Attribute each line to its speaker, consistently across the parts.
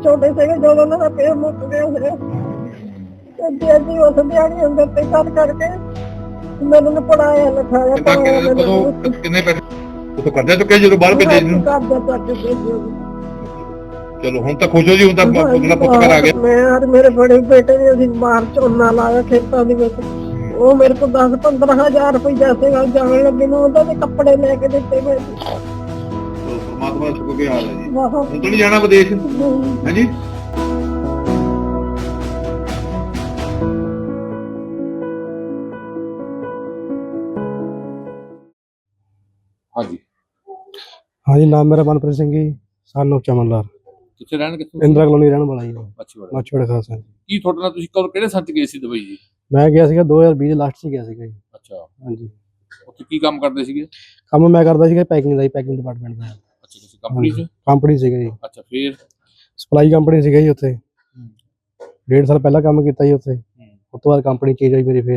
Speaker 1: ਛੋਟੇ ਸੀਗੇ ਜਦੋਂ ਉਹਨਾਂ ਦਾ ਪੇਟ ਮੁੱਕ ਗਿਆ ਸੀ ਤੇ ਅਸੀਂ ਉਸ ਦਿਹਾੜੀ ਅੰਦਰ ਤੇ ਕਰ ਕਰਕੇ ਮੈਨੂੰ ਪੜਾਇਆ ਲਿਖਾਇਆ
Speaker 2: ਕਿੰਨੇ ਪੈਸੇ ਉਹ ਕਰਜ਼ਾ ਚੁੱਕਿਆ ਜਦੋਂ ਬਾਹਰ ਭੇਜੇ ਨੂੰ?
Speaker 1: ਕਰਜ਼ਾ ਚੱਕ ਕੇ ਭੇਜਿਆ।
Speaker 2: ਚਲੋ ਹੁਣ ਤਾਂ ਖੁਸ਼ ਹੋ ਜੀ, ਹੁਣ ਤਾਂ ਆਪਣਾ ਪੁੱਤ ਘਰ ਆ ਗਿਆ।
Speaker 1: ਮੈਂ ਔਰ ਮੇਰੇ ਬੜੇ ਬੇਟੇ ਨੇ ਅਸੀਂ ਬਾਹਰ ਝੋਨਾ ਲਾਇਆ ਖੇਤਾਂ ਦੇ ਵਿੱਚ। ਉਹ ਮੇਰੇ ਕੋਲ 10-15 ਹਜ਼ਾਰ ਰੁਪਈਆ ਸੀਗਾ ਜਾਣ ਲੱਗੇ ਨੂੰ ਉਹਦਾ ਦੇ ਕੱਪੜੇ ਲੈ ਕੇ ਦਿੱਤੇ ਮੈਂ।
Speaker 2: ਪਰਮਾਤਮਾ ਦਾ ਸ਼ੁਕਰ ਹਾਲ ਹੈ ਜੀ।
Speaker 1: ਬਹੁਤ
Speaker 2: ਹੁਣ ਤਾਂ ਨਹੀਂ ਜਾਣਾ ਵਿਦੇਸ਼ ਹੈ ਜੀ? ਹਾਂਜੀ
Speaker 3: ਹਾਂਜੀ, ਨਾਮ ਮੇਰਾ ਮਨਪ੍ਰੀਤ ਸਿੰਘ ਜੀ, ਸਾਨੂੰ ਚਮਨ ਲਾਲ।
Speaker 2: ਕਿੱਥੇ ਰਹਿਣ, ਕਿੱਥੋਂ?
Speaker 3: ਇੰਦਰਾ ਕਲੋਨੀ ਰਹਿਣ ਵਾਲਾ ਜੀ।
Speaker 2: ਮੱਛੀਵਾੜਾ।
Speaker 3: ਮੱਛੀਵਾੜਾ ਖਾਲਸਾ।
Speaker 2: ਕੀ ਤੁਹਾਡੇ ਨਾਲ ਤੁਸੀਂ ਕਦੋਂ ਕਿਹੜੇ ਸੰਨ ਚ ਗਏ ਸੀ ਦੁਬਈ ਜੀ?
Speaker 3: ਮੈਂ ਗਿਆ ਸੀਗਾ 2020 ਦੇ ਲਾਸਟ 'ਚ ਗਿਆ ਸੀਗਾ ਜੀ।
Speaker 2: ਅੱਛਾ,
Speaker 3: ਹਾਂਜੀ।
Speaker 2: ਉੱਥੇ ਕੀ ਕੰਮ ਕਰਦੇ ਸੀਗੇ?
Speaker 3: ਕੰਮ ਮੈਂ ਕਰਦਾ ਸੀਗਾ ਪੈਕਿੰਗ ਦਾ ਜੀ, ਪੈਕਿੰਗ ਡਿਪਾਰਟਮੈਂਟ ਦਾ।
Speaker 2: ਅੱਛਾ, ਕਿਸੇ ਕੰਪਨੀ ਚ?
Speaker 3: ਕੰਪਨੀ ਸੀਗਾ ਜੀ।
Speaker 2: ਅੱਛਾ, ਫਿਰ
Speaker 3: ਸਪਲਾਈ ਕੰਪਨੀ ਸੀਗਾ ਜੀ ਉੱਥੇ। 1.5 ਸਾਲ ਪਹਿਲਾਂ ਕੰਮ ਕੀਤਾ ਜੀ ਉੱਥੇ। ਉਸ ਤੋਂ ਬਾਅਦ ਕੰਪਨੀ ਚੇਂਜ ਹੋਈ ਮੇਰੀ।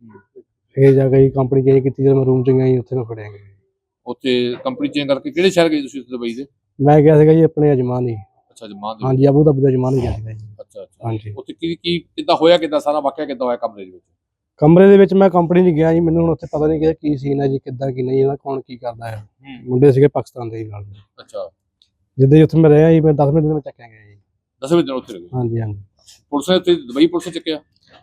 Speaker 3: ਫਿਰ ਜਾ ਕੇ ਕੰਪਨੀ ਚੇਂਜ ਕੀਤੀ ਜਦੋਂ ਮੈਂ ਰੂਮ 'ਚ ਗਿਆ ਜੀ, ਉੱਥੇ ਮੈਂ ਫੜਿਆ ਗਿਆ।
Speaker 2: ਉੱਥੇ ਕੰਪਨੀ ਚੇਂਜ ਕਰਕੇ ਕਿਹੜੇ ਸ਼ਹਿਰ ਗਏ ਤੁਸੀਂ ਦੁਬਈ ਦੇ?
Speaker 3: ਮੈਂ ਗਿਆ ਸੀਗਾ ਜੀ ਆਪਣੇ ਅਜਮਾਨ ਹੀ।
Speaker 2: ਅੱਛਾ, ਜਮਾਨ ਦੇ।
Speaker 3: ਹਾਂਜੀ, ਅਬੂ ਧਾਬੀ ਦਾ ਅਜਮਾਨ ਗਿਆ ਸੀਗਾ ਜੀ।
Speaker 2: ਅੱਛਾ ਅੱਛਾ।
Speaker 3: ਹਾਂਜੀ।
Speaker 2: ਉੱਥੇ ਕੀ ਕਿੱਦਾਂ ਹੋਇਆ, ਕਿੱਦਾਂ ਸਾਰਾ ਵਾਕਿਆ ਕਿੱਦਾਂ ਹੋਇਆ ਕਮਰੇ ਦੇ ਵਿੱਚ?
Speaker 3: ਕਮਰੇ ਦੇ ਵਿੱਚ ਮੈਂ ਕੰਪਨੀ 'ਚ ਗਿਆ ਜੀ, ਮੈਨੂੰ ਹੁਣ ਉੱਥੇ ਪਤਾ ਨਹੀਂ ਕਿ ਕੀ ਸੀਨ ਹੈ ਜੀ, ਕਿੱਦਾਂ ਕੀ ਨਹੀਂ, ਇਹਦਾ ਕੌਣ ਕੀ ਕਰਦਾ ਹੈ। ਮੁੰਡੇ ਸੀਗੇ ਪਾਕਿਸਤਾਨ ਦੇ ਨਾਲ।
Speaker 2: ਅੱਛਾ।
Speaker 3: ਜਿੱਦਾਂ ਹੀ ਉੱਥੇ ਮੈਂ ਰਿਹਾ ਜੀ, ਮੈਂ 10 ਮਿੰਟ ਦੇ ਵਿੱਚ ਚੱਕਿਆ ਗਿਆ ਜੀ।
Speaker 2: 10ਵੇਂ ਦਿਨ ਉੱਥੇ ਰਹੇ?
Speaker 3: ਹਾਂਜੀ ਹਾਂਜੀ।
Speaker 2: ਪੁਲਿਸ ਨੇ ਉੱਥੇ ਦੁਬਈ ਪੁਲਿਸ ਨੇ ਚੱਕਿਆ?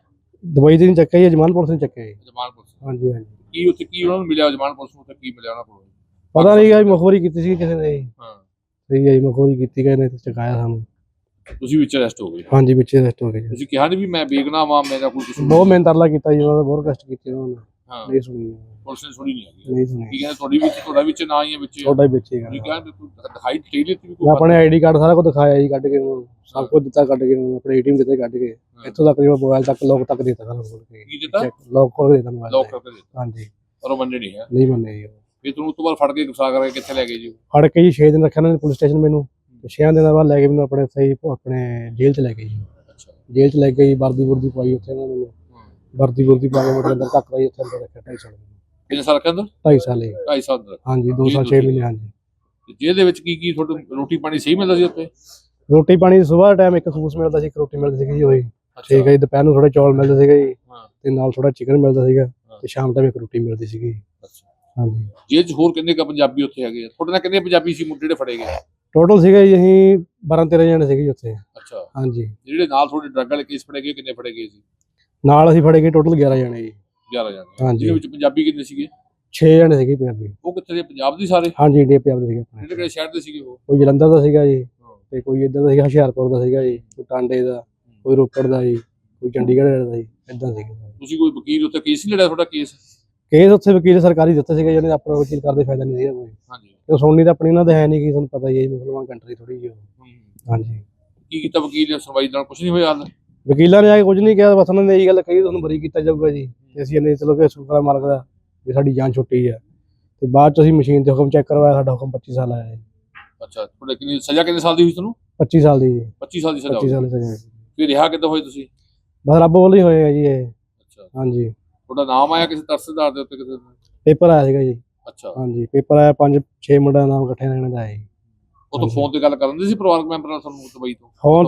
Speaker 3: ਦੁਬਈ ਦੇ ਨਹੀਂ ਚੱਕਿਆ ਜੀ, ਅਜਮਾਨ ਪੁਲਿਸ ਨੇ ਚੱਕਿਆ ਜੀ।
Speaker 2: ਜਮਾਨ ਪੁਲਿਸ?
Speaker 3: ਹਾਂਜੀ ਹਾਂਜੀ।
Speaker 2: ਕੀ ਉੱਥੇ ਕੀ ਉਹਨਾਂ ਨੂੰ ਮਿਲਿਆ ਜਮਾਨ ਪੁਲਿਸ ਨੂੰ, ਉੱਥੇ ਕੀ ਮਿਲਿਆ ਉਹਨਾਂ ਕੋਲ?
Speaker 3: ਪਤਾ ਨਹੀਂ ਜੀ, ਮੁਖਬਰੀ ਕੀਤੀ ਸੀ ਕਿਸੇ ਨੇ ਜੀ।
Speaker 2: ਹਾਂ।
Speaker 3: ਸਹੀ ਹੈ ਜੀ, ਮੁਖਬਰੀ ਕੀਤੀ ਗਏ ਨੇ ਤੇ ਚਕਾਇਆ ਸਾਨੂੰ।
Speaker 2: ਤੁਸੀਂ ਵਿੱਚ ਅਰੈਸਟ ਹੋ ਗਏ?
Speaker 3: ਹਾਂਜੀ, ਵਿੱਚ ਅਰੈਸਟ ਹੋ ਗਏ ਜੀ।
Speaker 2: ਤੁਸੀਂ ਕਿਹਾ ਨਹੀਂ ਵੀ ਮੈਂ ਬੇਗੁਨਾਹ ਵਾਂ, ਮੇਰਾ ਕੋਈ ਕਸੂਰ?
Speaker 3: ਬਹੁਤ ਮਿਹਨਤ ਤਰਲਾ ਕੀਤਾ ਜੀ ਉਹਨਾਂ ਦਾ, ਬਹੁਤ ਕਸ਼ਟ ਕੀਤੇ ਉਹਨਾਂ ਨੇ।
Speaker 2: ਹਾਂ।
Speaker 3: ਨਹੀਂ ਸੁਣੀ,
Speaker 2: ਪੁਲਿਸ ਨੇ ਸੁਣੀ ਨਹੀਂ ਹੈਗੀ?
Speaker 3: ਨਹੀਂ ਸੁਣੀ।
Speaker 2: ਕੀ ਕਹਿੰਦੇ ਤੁਹਾਡਾ ਵਿੱਚ ਨਾ ਹੀ ਹੈ ਵਿੱਚ?
Speaker 3: ਤੁਹਾਡਾ ਹੀ ਵਿੱਚ ਹੀ
Speaker 2: ਤੁਸੀਂ ਕਿਹਾ ਦਿਖਾਈ ਦੇ ਦਿੱਤੀ ਵੀ
Speaker 3: ਮੈਂ ਆਪਣੇ ਆਈਡੀ ਕਾਰਡ ਸਾਰਾ ਕੁਝ ਦਿਖਾਇਆ ਜੀ, ਕੱਢ ਕੇ ਉਹਨੂੰ ਸਭ ਕੁਝ ਦਿੱਤਾ, ਕੱਢ ਕੇ ਉਹਨੂੰ ਆਪਣੇ ਏਟੀਐਮ ਦਿੱਤੇ, ਕੱਢ ਕੇ ਇੱਥੋਂ ਤੱਕ ਮੋਬਾਈਲ ਤੱਕ ਲੋਕ ਤੱਕ ਦਿੱਤਾ ਸਾਰਾ ਖੋਲ ਕੇ।
Speaker 2: ਕੀ ਦਿੱਤਾ?
Speaker 3: ਲੋਕ ਖੋਲ ਕੇ ਦਿੱਤਾ ਮੋਬਾਈਲ।
Speaker 2: ਲੋਕ ਕਰਕੇ ਦਿੱਤਾ?
Speaker 3: ਹਾਂਜੀ।
Speaker 2: ਪਰ ਉਹ ਮੰਨੇ ਨਹੀਂ ਹੈ?
Speaker 3: ਨਹੀਂ ਮੰਨੇ ਜੀ।
Speaker 2: ਫਿਰ ਤੁਹਾਨੂੰ ਉਸ ਤੋਂ ਬਾਅਦ ਫੜ ਕੇ ਗੁਸਾ ਕਰਕੇ ਕਿੱਥੇ ਲੈ ਗਏ ਜੀ?
Speaker 3: ਫੜ ਕੇ ਜੀ 6 ਦਿਨ ਰੱਖਿਆ ਉਹਨਾਂ ਨੇ ਪੁਲਿਸ ਸਟੇਸ਼ਨ ਮੈਨੂੰ। 6 ਦਿਨਾਂ ਬਾਅਦ ਲੈ ਕੇ ਮੈਨੂੰ ਆਪਣੇ ਸਹੀ ਆਪਣੇ ਜੇਲ੍ਹ 'ਚ ਲੈ ਗਏ ਜੀ।
Speaker 2: ਅੱਛਾ।
Speaker 3: ਜੇਲ੍ਹ 'ਚ ਲੈ ਕੇ ਜੀ ਵਰਦੀ ਵੁਰਦੀ ਪਾਈ ਉੱਥੇ ਉਹਨਾਂ ਨੇ ਮੈਨੂੰ। ਵਰਦੀ ਵੁਰਦੀ ਪਾ ਕੇ ਮੇਰੇ ਅੰਦਰ ਧੱਕ ਦਾ ਜੀ, ਉੱਥੇ ਅੰਦਰ ਰੱਖਿਆ 2.5 ਸਾਲ।
Speaker 2: ਕਿੰਨੇ ਸਾਲ ਰੱਖਿਆ ਅੰਦਰ?
Speaker 3: 2.5 ਸਾਲ ਜੀ।
Speaker 2: 2.5 ਸਾਲ ਅੰਦਰ?
Speaker 3: ਹਾਂਜੀ, 2 ਸਾਲ 6 ਮਹੀਨੇ। ਹਾਂਜੀ।
Speaker 2: ਤੇ ਜੇਲ੍ਹ ਦੇ ਵਿੱਚ ਕੀ ਤੁਹਾਨੂੰ ਰੋਟੀ ਪਾਣੀ ਸਹੀ ਮਿਲਦਾ ਸੀ ਉੱਥੇ?
Speaker 3: ਰੋਟੀ ਪਾਣੀ ਸਵੇਰ ਟਾਈਮ ਇੱਕ ਖੂਸ ਮਿਲਦਾ ਸੀ, ਇੱਕ ਰੋਟੀ ਮਿਲਦੀ ਸੀਗੀ ਜੀ ਉਹੀ। ਠੀਕ ਹੈ ਜੀ। ਦੁਪਹਿਰ ਨੂੰ ਥੋੜੇ ਚੌਲ ਮਿਲਦੇ ਸੀਗੇ ਜੀ, ਤੇ ਨਾਲ ਥੋੜਾ ਚਿਕਨ ਮਿਲਦਾ ਸੀਗਾ, ਤੇ ਸ਼ਾਮ ਟਾਈਮ ਇੱਕ ਰੋਟੀ ਮਿਲਦੀ ਸੀਗੀ। ਹਾਂਜੀ।
Speaker 2: ਜੇਲ੍ਹ 'ਚ ਹੋਰ ਕਿੰਨੇ ਪੰਜਾਬੀ ਉੱਥੇ ਹੈਗੇ? ਤੁਹਾਡੇ ਨਾਲ ਕਿੰਨੇ ਪੰਜਾਬੀ ਸੀ ਮੁੰਡੇ ਜਿਹੜੇ ਫੜੇ ਗਏ?
Speaker 3: ਟੋਟਲ ਸੀਗੇ ਜੀ ਅਸੀਂ 12-13 ਜਣੇ ਸੀਗੇ ਜੀ ਉੱਥੇ।
Speaker 2: ਅੱਛਾ।
Speaker 3: ਹਾਂਜੀ।
Speaker 2: ਜਿਹੜੇ ਨਾਲ ਤੁਹਾਡੇ ਡਰੱਗ ਵਾਲੇ ਕੇਸ ਫੜੇ ਗਏ ਕਿੰਨੇ ਫੜੇ ਗਏ ਸੀ?
Speaker 3: ਨਾਲ ਅਸੀਂ ਫੜੇ ਗਏ ਟੋਟਲ 11 ਜਣੇ ਜੀ।
Speaker 2: 11 ਜਣੇ?
Speaker 3: ਹਾਂਜੀ।
Speaker 2: ਜਿਹਦੇ ਵਿੱਚ ਪੰਜਾਬੀ ਕਿੰਨੇ ਸੀਗੇ?
Speaker 3: 6 ਜਣੇ ਸੀਗੇ ਪੰਜਾਬੀ।
Speaker 2: ਉਹ ਕਿੱਥੇ ਦੇ, ਪੰਜਾਬ ਦੇ ਸਾਰੇ?
Speaker 3: ਹਾਂਜੀ, ਇੰਡੀਆ ਪੰਜਾਬ ਦੇ ਸੀਗੇ।
Speaker 2: ਜਿਹੜੇ ਕਿਹੜੇ ਸ਼ਹਿਰ ਦੇ ਸੀਗੇ ਉਹ?
Speaker 3: ਕੋਈ ਜਲੰਧਰ ਦਾ ਸੀਗਾ ਜੀ, ਤੇ ਕੋਈ ਇੱਧਰ ਦਾ ਸੀਗਾ ਹੁਸ਼ਿਆਰਪੁਰ ਦਾ ਸੀਗਾ ਜੀ, ਕੋਈ ਟਾਂਡੇ ਦਾ, ਕੋਈ ਰੋਪੜ ਦਾ ਜੀ, ਕੋਈ ਚੰਡੀਗੜ੍ਹ ਦਾ ਜੀ, ਇੱਦਾਂ ਸੀਗਾ।
Speaker 2: ਤੁਸੀਂ ਕੋਈ ਵਕੀਲ ਉੱਥੇ ਕੇਸ ਨਹੀਂ ਲੜਿਆ ਤੁਹਾਡਾ? ਕੇਸ
Speaker 3: ਉੱਥੇ ਵਕੀਲ ਸਰਕਾਰੀ ਦਿੱਤੇ ਸੀਗੇ, ਜਿਹਨੇ ਆਪਣਾ ਵਕੀਲ ਕਰਦੇ ਫਾਇਦਾ ਨਹੀਂ ਸੀਗਾ ਕੋਈ।
Speaker 2: ਹਾਂਜੀ।
Speaker 3: ਤੇ ਸੁਣਨੀ ਤਾਂ ਆਪਣੀ ਉਹਨਾਂ ਦੇ ਹੈ ਨਹੀਂ, ਕਿ ਤੁਹਾਨੂੰ ਪਤਾ ਹੀ ਹੈ ਮੁਸਲਮਾਨ ਕੰਟਰੀ ਥੋੜੀ ਜਿਹੀ। ਹਾਂਜੀ।
Speaker 2: ਕੀ ਕੀਤਾ ਵਕੀਲ ਨੇ? ਸੁਣਵਾਈ ਨਾਲ ਕੁਝ ਨਹੀਂ ਹੋਇਆ ਹਾਲ?
Speaker 3: ਵਕੀਲਾਂ ਨੇ ਆ ਕੇ ਕੁਝ ਨਹੀਂ ਕਿਹਾ, ਬਸ ਉਹਨਾਂ ਨੇ ਇਹੀ ਗੱਲ ਕਹੀ ਤੁਹਾਨੂੰ ਬਰੀ ਕੀਤਾ ਜਾਊਗਾ ਜੀ। ਤੇ ਅਸੀਂ ਇਹਨੇ ਚਲੋ ਕਿ ਸ਼ੁਕਰ ਮਾਲਕ ਦਾ ਵੀ ਸਾਡੀ ਜਾਨ ਛੁੱਟੀ ਆ। ਤੇ ਬਾਅਦ ਚ ਅਸੀਂ ਮਸ਼ੀਨ ਤੇ ਹੁਕਮ ਚੈੱਕ ਕਰਵਾਇਆ, ਸਾਡਾ ਹੁਕਮ 25 ਸਾਲ ਆਇਆ ਜੀ।
Speaker 2: ਅੱਛਾ। ਤੁਹਾਡੇ ਕਿੰਨੀ ਸਜ਼ਾ ਕਿੰਨੇ ਸਾਲ ਦੀ ਹੋਈ ਤੁਹਾਨੂੰ?
Speaker 3: 25 ਸਾਲ ਦੀ ਜੀ।
Speaker 2: 25 ਸਾਲ ਦੀ ਸਜ਼ਾ?
Speaker 3: 25 ਸਾਲ ਦੀ ਸਜ਼ਾ।
Speaker 2: ਫਿਰ ਰਿਹਾ ਕਿੱਦਾਂ ਹੋਏ ਤੁਸੀਂ?
Speaker 3: ਬਸ ਰੱਬ ਵੱਲੋਂ ਹੀ ਹੋਏ ਆ ਜੀ ਇਹ।
Speaker 2: ਅੱਛਾ।
Speaker 3: ਹਾਂਜੀ।
Speaker 2: ਤੁਹਾਡਾ ਨਾਮ ਆਇਆ ਕਿਸੇ ਤਰਸਦਾਰ ਦੇ ਉੱਤੇ ਕਿਸੇ?
Speaker 3: ਪੇਪਰ ਆਇਆ ਸੀਗਾ ਜੀ।
Speaker 2: ਅੱਛਾ।
Speaker 3: ਹਾਂਜੀ, ਪੇਪਰ ਆਇਆ, 5-6 ਮੁੰਡਿਆਂ ਦਾ ਨਾਮ ਇਕੱਠੇ ਰਹਿਣ ਦਾ ਆਇਆ ਜੀ।
Speaker 2: ਉਹ ਤਾਂ ਫੋਨ ਤੇ ਗੱਲ ਕਰਨ ਦੇ ਸੀ ਪਰਿਵਾਰਕ ਮੈਂਬਰ ਨਾਲ ਤੁਹਾਨੂੰ ਦੁਬਈ ਤੋਂ?
Speaker 3: ਫੋਨ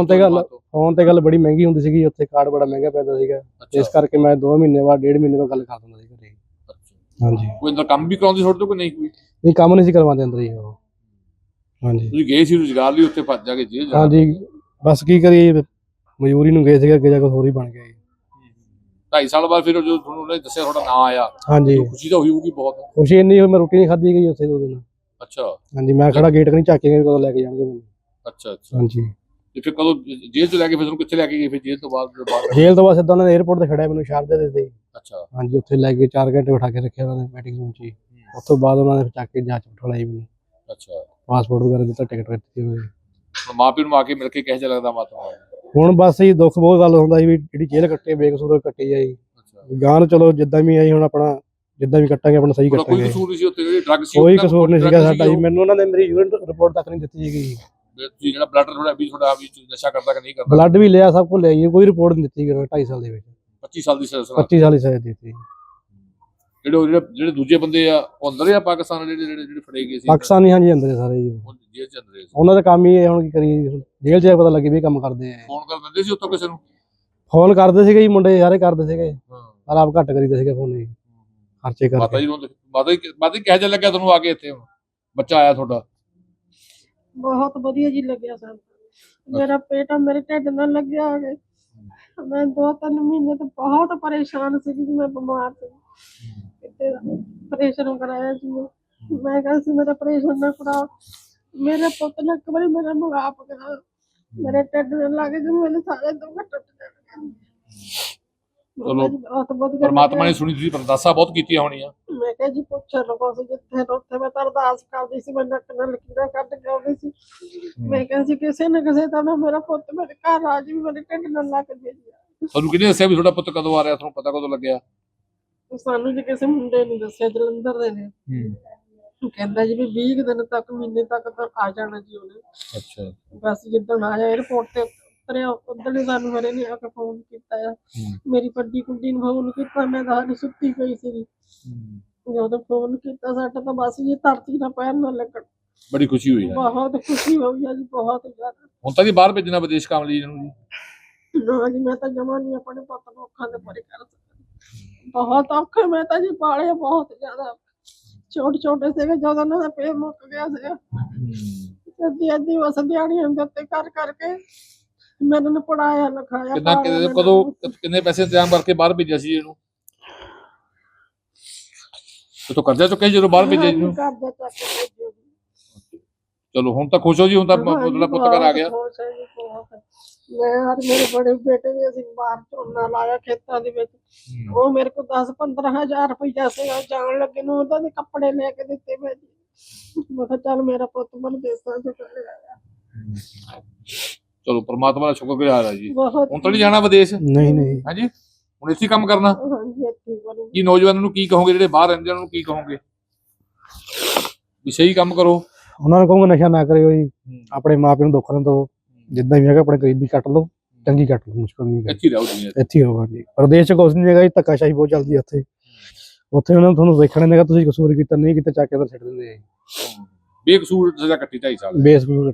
Speaker 3: ਤੇ ਗੱਲ ਬੜੀ ਮਹਿੰਗੀ ਹੁੰਦੀ ਸੀਗੀ ਉੱਥੇ, ਕਾਰਡ ਬੜਾ ਮਹਿੰਗਾ ਪੈਂਦਾ ਸੀਗਾ, ਇਸ ਕਰਕੇ ਮੈਂ 2 ਮਹੀਨੇ ਬਾਅਦ 1.5 ਮਹੀਨੇ ਬਾਅਦ ਗੱਲ ਕਰ ਦਿੰਦਾ ਸੀ ਘਰੇ। ਹਾਂਜੀ।
Speaker 2: ਕੋਈ ਅੰਦਰ ਕੰਮ ਵੀ ਕਰਾਉਂਦੀ ਤੁਹਾਡੇ ਤੋਂ ਕਿ ਨਹੀਂ? ਕੋਈ
Speaker 3: ਨਹੀਂ, ਕੰਮ ਨਹੀਂ ਸੀ ਕਰਵਾਉਂਦੇ ਅੰਦਰ ਹੀ ਉਹ। ਹਾਂਜੀ।
Speaker 2: ਤੁਸੀਂ ਗਏ ਸੀ ਰੁਜ਼ਗਾਰ ਲਈ ਉੱਥੇ, ਫਸ ਜਾ ਕੇ ਜੇਲ੍ਹ?
Speaker 3: ਹਾਂਜੀ, ਬਸ ਕੀ ਕਰੀਏ, ਮਜ਼ਦੂਰੀ ਨੂੰ ਗਏ ਸੀਗੇ, ਅੱਗੇ ਜਾ ਕੇ ਹੋਰ ਹੀ ਬਣ ਗਿਆ ਜੀ।
Speaker 2: 2.5 ਸਾਲ ਬਾਅਦ ਫਿਰ ਜਦੋਂ ਤੁਹਾਨੂੰ ਉਹਨੇ ਦੱਸਿਆ ਤੁਹਾਡਾ ਨਾਂ ਆਇਆ,
Speaker 3: ਹਾਂਜੀ,
Speaker 2: ਖੁਸ਼ੀ ਤਾਂ ਹੋਈ ਹੋਊਗੀ ਬਹੁਤ?
Speaker 3: ਖੁਸ਼ੀ ਇੰਨੀ ਹੋਈ, ਮੈਂ ਰੋਟੀ ਨਹੀਂ ਖਾਧੀ ਗਈ ਉੱਥੇ 2 ਦਿਨ।
Speaker 2: ਅੱਛਾ।
Speaker 3: ਹਾਂਜੀ, ਮੈਂ ਖੜਾ ਗੇਟ ਨਹੀਂ ਝਾਕੇ ਗਏ ਕਦੋਂ ਲੈ ਕੇ ਜਾਣਗੇ ਮੈਨੂੰ।
Speaker 2: ਅੱਛਾ ਅੱਛਾ।
Speaker 3: ਹਾਂਜੀ।
Speaker 2: ਤੇ ਫਿਰ ਕਦੋਂ ਜੇਲ੍ਹ ਤੋਂ ਲੈ ਕੇ ਫਿਰ ਤੁਹਾਨੂੰ ਕਿੱਥੇ ਲੈ ਕੇ ਗਏ? ਫਿਰ ਜੇਲ੍ਹ ਤੋਂ ਬਾਅਦ
Speaker 3: ਜੇਲ੍ਹ ਤੋਂ ਬਾਅਦ ਸਿੱਧਾ ਉਹਨਾਂ ਨੇ 에ਅਰਪੋਰਟ ਤੇ ਖੜਿਆ ਮੈਨੂੰ, ਸ਼ਾਰਜਾ ਦੇ ਦਿੱਤੇ।
Speaker 2: ਅੱਛਾ।
Speaker 3: ਹਾਂਜੀ, ਉੱਥੇ ਲੈ ਕੇ 4 ਘੰਟੇ ਬਿਠਾ ਕੇ ਰੱਖਿਆ ਉਹਨਾਂ ਨੇ ਮੀਟਿੰਗ ਰੂਮ 'ਚ ਹੀ। ਉਸ ਤੋਂ ਬਾਅਦ ਉਹਨਾਂ ਨੇ ਚੱਕ ਕੇ ਜਾਂਚ ਬਿਠਾਈ ਮੈਨੂੰ।
Speaker 2: ਅੱਛਾ।
Speaker 3: ਪਾਸਪੋਰਟ ਵਗੈਰਾ ਦਿੱਤਾ, ਟਿਕਟ ਦਿੱਤੀ ਉਹਨੇ।
Speaker 2: ਮਾਂ ਪਿਓ ਨੂੰ ਆ ਕੇ ਮਿਲ ਕੇ ਕਿਹੋ ਜਿਹਾ ਲੱਗਦਾ ਮਾਤਾ?
Speaker 3: ਹੁਣ ਬਸ ਜੀ ਦੁੱਖ ਬਹੁਤ ਗੱਲ ਹੁੰਦਾ ਸੀ ਵੀ ਜਿਹੜੀ ਜੇਲ੍ਹ ਕੱਟੇ ਬੇਕਸੂਰ ਕੱਟੀ ਆ ਜੀ। ਗਾਂ ਨੂੰ ਚਲੋ ਜਿੱਦਾਂ ਵੀ ਆਈ, ਹੁਣ ਆਪਣਾ ਜਿੱਦਾਂ ਵੀ ਕੱਟਾਂਗੇ ਆਪਣਾ ਸਹੀ ਕੱਟਾਂਗੇ।
Speaker 2: ਕੋਈ ਕਸੂਰ ਨਹੀਂ ਸੀ ਉੱਥੇ? ਜਿਹੜੀ ਡਰੱਗ ਸੀ
Speaker 3: ਕੋਈ ਕਸੂਰ ਨਹੀਂ ਸੀਗਾ ਸਾਡਾ ਜੀ। ਮੈਨੂੰ ਉਹਨਾਂ ਨੇ ਮੇਰੀ ਯੂਰਿਨ ਰਿਪੋਰਟ ਤੱਕ ਨਹੀਂ ਦਿੱਤੀ ਸੀਗੀ।
Speaker 2: ਤੁਸੀਂ ਜਿਹੜਾ ਬਲੱਡ ਤੁਹਾਡਾ ਵੀ ਨਸ਼ਾ ਕਰਦਾ ਕਿ ਨਹੀਂ ਕਰਦਾ?
Speaker 3: ਬਲੱਡ ਵੀ ਲਿਆ, ਸਭ ਕੁਝ ਲਿਆ ਜੀ, ਕੋਈ ਰਿਪੋਰਟ ਨਹੀਂ ਦਿੱਤੀ 2.5 ਸਾਲ ਦੇ ਵਿੱਚ।
Speaker 2: 25 ਸਾਲ ਦੀ ਸਜ਼ਾ?
Speaker 3: 25 ਸਾਲ ਦੀ ਸਜ਼ਾ ਦਿੱਤੀ।
Speaker 2: ਜਿਹੜੇ ਦੂਜੇ ਬੰਦੇ ਆ ਉਹ ਅੰਦਰ ਆ ਪਾਕਿਸਤਾਨ ਵਾਲੇ ਜਿਹੜੇ ਫੜੇ ਗਏ ਸੀ
Speaker 3: ਪਾਕਿਸਤਾਨੀ ਹਾਂਜੀ ਅੰਦਰ ਸਾਰੇ ਜੀ
Speaker 2: ਉਹ ਜੇਲ੍ਹ ਚ ਅੰਦਰ ਸੀ।
Speaker 3: ਉਹਨਾਂ ਦਾ ਕੰਮ ਹੀ ਹੈ ਹੁਣ ਕੀ ਕਰੀਏ ਜੀ, ਜੇਲ੍ਹ 'ਚ ਪਤਾ ਲੱਗੇ ਵੀ ਇਹ ਕੰਮ ਕਰਦੇ ਆ।
Speaker 2: ਫੋਨ ਕਰ ਦਿੰਦੇ ਸੀ ਉੱਥੋਂ ਕਿਸੇ ਨੂੰ?
Speaker 3: ਫੋਨ ਕਰਦੇ ਸੀਗੇ ਜੀ ਮੁੰਡੇ ਸਾਰੇ ਕਰਦੇ ਸੀਗੇ,
Speaker 2: ਹਾਂ
Speaker 3: ਪਰ ਆਪ ਘੱਟ ਕਰੀਦੇ ਸੀਗੇ ਫੋਨ ਜੀ ਖਰਚੇ
Speaker 2: ਮਾਤਾ
Speaker 3: ਕਰਕੇ।
Speaker 2: ਜੀ ਨੂੰ ਮਾਤਾ ਜੀ ਕਿਹੋ ਜਿਹਾ ਲੱਗਿਆ ਤੁਹਾਨੂੰ ਆ ਕੇ ਇੱਥੇ ਹੁਣ ਬੱਚਾ ਆਇਆ ਤੁਹਾਡਾ?
Speaker 1: ਬਹੁਤ ਵਧੀਆ ਜੀ ਲੱਗਿਆ ਸਾਨੂੰ। ਮੇਰਾ ਪੇਟ ਮੇਰੇ ਢਿੱਡ ਨਾਲ ਲੱਗਿਆ ਆ ਕੇ ਮੈਂ 2-3 ਮਹੀਨੇ ਤੋਂ ਬਹੁਤ ਪਰੇਸ਼ਾਨ ਸੀ ਕਿ ਮੈਂ ਬਿਮਾਰ ਸੀ। ਕਿਤੇ ਆਪਰੇਸ਼ਨ ਕਰਾਇਆ ਸੀ ਮੈਂ ਕਿਹਾ ਸੀ ਮੇਰਾ ਆਪਰੇਸ਼ਨ ਨਾ ਕਰਾ। ਮੇਰੇ ਪੁੱਤ ਨੇ ਇੱਕ ਵਾਰੀ ਮੇਰਾ ਮੁਗਾਪ ਕਰਾ, ਮੇਰੇ ਢਿੱਡ ਨਾਲ ਲੱਗ ਗਏ ਮੇਰੇ ਸਾਰੇ ਦੁੱਖ ਟੁੱਟ ਗਏ।
Speaker 2: ਚਲੋ
Speaker 1: ਬਹੁਤ ਵਧੀਆ
Speaker 2: ਪਰਮਾਤਮਾ ਨੇ ਸੁਣੀ, ਤੁਸੀਂ ਅਰਦਾਸਾਂ ਬਹੁਤ ਕੀਤੀਆਂ ਹੋਣੀਆਂ।
Speaker 1: ਮੈਂ ਕਿਹਾ ਜੀ ਪੁੱਛਣ ਲਗੋ ਸੀ ਜਿੱਥੇ ਉੱਥੇ ਮੈਂ ਤਾਂ ਅਰਦਾਸ ਕਰਦੀ ਸੀ, ਮੈਂ ਨੱਕ ਨਾਲ ਲਕੀਰਾਂ ਕੱਢ ਕੇ ਆਉਂਦੀ ਸੀ। ਮੈਂ ਕਿਹਾ ਸੀ ਕਿਸੇ ਨਾ ਕਿਸੇ ਤਰ੍ਹਾਂ ਮੇਰਾ ਪੁੱਤ ਮੇਰੇ ਘਰ ਆ ਜੀ, ਮੇਰੇ ਢਿੱਡ ਨਾਲ ਲੱਗ ਜੇ।
Speaker 2: ਤੁਹਾਨੂੰ ਕਿਹਨੇ ਦੱਸਿਆ ਵੀ ਤੁਹਾਡਾ ਪੁੱਤ ਕਦੋਂ ਆ ਰਿਹਾ? ਤੁਹਾਨੂੰ ਪਤਾ ਕਦੋਂ ਲੱਗਿਆ?
Speaker 1: ਸਾਨੂੰ ਜੀ ਕਿਸੇ ਮੁੰਡੇ ਨੇ ਦੱਸਿਆ, ਜਲੰਧਰ ਦੇ ਨੇ। ਕਹਿੰਦਾ ਜੀ ਵੀ 20 ਦਿਨ ਤੱਕ ਮਹੀਨੇ ਤੱਕ ਤਾਂ ਆ ਜਾਣਾ ਜੀ ਉਹਨੇ।
Speaker 2: ਅੱਛਾ
Speaker 1: ਬਸ ਜਿੱਦਣ ਆਇਆ 에어ਪੋਰਟ ਤੇ ਉਤਰਿਆ ਉਦੋਂ ਹੀ ਸਾਨੂੰ ਮੇਰੇ ਨੇ ਆ ਕੇ ਫੋਨ ਕੀਤਾ ਆ। ਮੇਰੀ ਵੱਡੀ ਕੁੜੀ ਨੂੰ ਫੋਨ ਕੀਤਾ, ਮੈਂ ਤਾਂ ਹਾਲੇ ਸੁੱਤੀ ਪਈ ਸੀ। ਜਦੋਂ ਫੋਨ ਕੀਤਾ ਸਾਡਾ ਤਾਂ ਬਸ ਜੀ ਧਰਤੀ ਨਾਲ ਪੈਰ ਨਾ ਲੱਗਣ।
Speaker 2: ਬੜੀ ਖੁਸ਼ੀ ਹੋਈ ਹੈ,
Speaker 1: ਬਹੁਤ ਖੁਸ਼ੀ ਹੋਈ ਆ ਜੀ, ਬਹੁਤ ਜ਼ਿਆਦਾ।
Speaker 2: ਹੁਣ ਤਾਂ ਜੀ ਬਾਹਰ ਭੇਜਣਾ ਵਿਦੇਸ਼ ਕੰਮ ਲਈ ਇਹਨੂੰ ਜੀ?
Speaker 1: ਨਾ ਜੀ ਮੈਂ ਤਾਂ ਜਮਾ ਨਹੀਂ ਆਪਣੇ ਪੁੱਤ ਨੂੰ ਅੱਖਾਂ ਦੇ ਪਰੇ ਕਰ ਸਕਦੀ। ਬਹੁਤ ਔਖੇ ਮੈਂ ਤਾਂ ਜੀ ਪਾਲੇ ਬਹੁਤ ਜ਼ਿਆਦਾ। ਛੋਟੇ ਸੀਗੇ ਜਦੋਂ ਉਹਨਾਂ ਦਾ ਪੇਟ ਮੁੱਕ ਗਿਆ ਸੀਗਾ। ਅੱਧੀ ਬਸ ਦਿਹਾੜੀਆਂ ਦੇ ਉੱਤੇ ਕਰ ਕਰਕੇ ਮੈਂ ਇਹਨਾਂ ਨੂੰ ਪੜਾਇਆ ਲਿਖਾਇਆ।
Speaker 2: ਕਿੰਨੇ ਪੈਸੇ ਇੰਤਜ਼ਾਮ ਕਰਕੇ ਬਾਹਰ ਭੇਜਿਆ ਸੀ ਇਹਨੂੰ? ਤੋ ਕਰਜ਼ਾ ਚੁੱਕਿਆ ਜਦੋਂ ਬਾਹਰ ਭੇਜਿਆ ਜੀ?
Speaker 1: ਕਰਜ਼ਾ ਚੱਕ ਕੇ ਭੇਜਿਆ ਜੀ।
Speaker 2: ਚਲੋ ਹੁਣ ਤਾਂ ਖੁਸ਼ ਹੋ ਜੀ, ਹੁਣ ਤਾਂ ਤੁਹਾਡਾ ਪੁੱਤ ਘਰ ਆ ਗਿਆ।
Speaker 1: ਖੁਸ਼ ਹੈ ਜੀ ਬਹੁਤ। ਮੈਂ ਔਰ ਮੇਰੇ ਬੜੇ ਬੇਟੇ ਨੇ ਅਸੀਂ ਬਾਹਰ ਝੋਨਾ ਲਾਇਆ ਖੇਤਾਂ ਦੇ ਵਿੱਚ। ਉਹ ਮੇਰੇ ਕੋਲ 10-15 ਹਜ਼ਾਰ ਰੁਪਈਆ ਸੀਗਾ, ਜਾਣ ਲੱਗੇ ਨੂੰ ਉਹਦਾ ਦੇ ਕੱਪੜੇ ਲੈ ਕੇ ਦਿੱਤੇ ਮੈਂ ਜੀ। ਮੈਂ ਕਿਹਾ ਚੱਲ ਮੇਰਾ ਪੁੱਤ ਮਨ ਦੇਸਾਂ ਚ ਚਲੇ ਆਇਆ।
Speaker 2: ਚਲੋ ਪਰਮਾਤਮਾ ਦਾ ਸ਼ੁਕਰਗੁਜ਼ਾਰ ਆ ਜੀ।
Speaker 1: ਬਹੁਤ
Speaker 2: ਹੁਣ ਤਾਂ ਨਹੀਂ ਜਾਣਾ ਵਿਦੇਸ਼?
Speaker 3: ਨਹੀਂ
Speaker 2: ਹਾਂਜੀ ਹੁਣ ਇੱਥੇ ਕੰਮ ਕਰਨਾ?
Speaker 1: ਹਾਂਜੀ ਇੱਥੇ ਕਰੂੰ।
Speaker 2: ਕੀ ਨੌਜਵਾਨਾਂ ਨੂੰ ਕੀ ਕਹੋਗੇ ਜਿਹੜੇ ਬਾਹਰ ਰਹਿੰਦੇ ਉਹਨਾਂ ਨੂੰ ਕੀ ਕਹੋਗੇ? ਵੀ ਸਹੀ ਕੰਮ ਕਰੋ।
Speaker 3: ਉਹਨਾਂ ਨੂੰ ਕਹੂੰਗਾ ਨਸ਼ਾ ਨਾ ਕਰਿਓ ਜੀ, ਆਪਣੇ ਮਾਪਿਆਂ ਨੂੰ ਦੁੱਖ ਨਾ ਦਿਓ, ਜਿੱਦਾਂ ਵੀ ਹੈਗਾ ਆਪਣੇ ਗਰੀਬੀ ਕੱਟ ਲਓ, ਚੰਗੀ ਕੱਟ ਲਓ, ਮੁਸ਼ਕਲ ਨਹੀਂ ਹੈ।
Speaker 2: ਇੱਥੇ ਰਹੋ ਦੁਨੀਆ ਤੇ।
Speaker 3: ਇੱਥੇ ਹੀ ਹੋਗਾ ਜੀ। ਪ੍ਰਦੇਸ਼ ਚ ਕੁਛ ਨਹੀਂ ਹੈਗਾ ਜੀ, ਧੱਕਾਸ਼ਾਹੀ ਬਹੁਤ ਚੱਲਦੀ ਹੈ ਉੱਥੇ। ਉੱਥੇ ਉਹਨਾਂ ਨੂੰ ਤੁਹਾਨੂੰ ਵੇਖਣ ਨਹੀਂ ਹੈਗਾ ਤੁਸੀਂ ਕਸੂਰ ਕੀਤਾ ਨਹੀਂ ਕੀਤਾ, ਚੱਕ ਕੇ ਅੰਦਰ ਛੱਡ ਦਿੰਦੇ ਆ ਜੀ।
Speaker 2: ਬੇਕਸੂਰ ਸਜ਼ਾ ਕੱਟੀ 2.5 ਸਾਲ।
Speaker 3: ਬੇਕਸੂਰ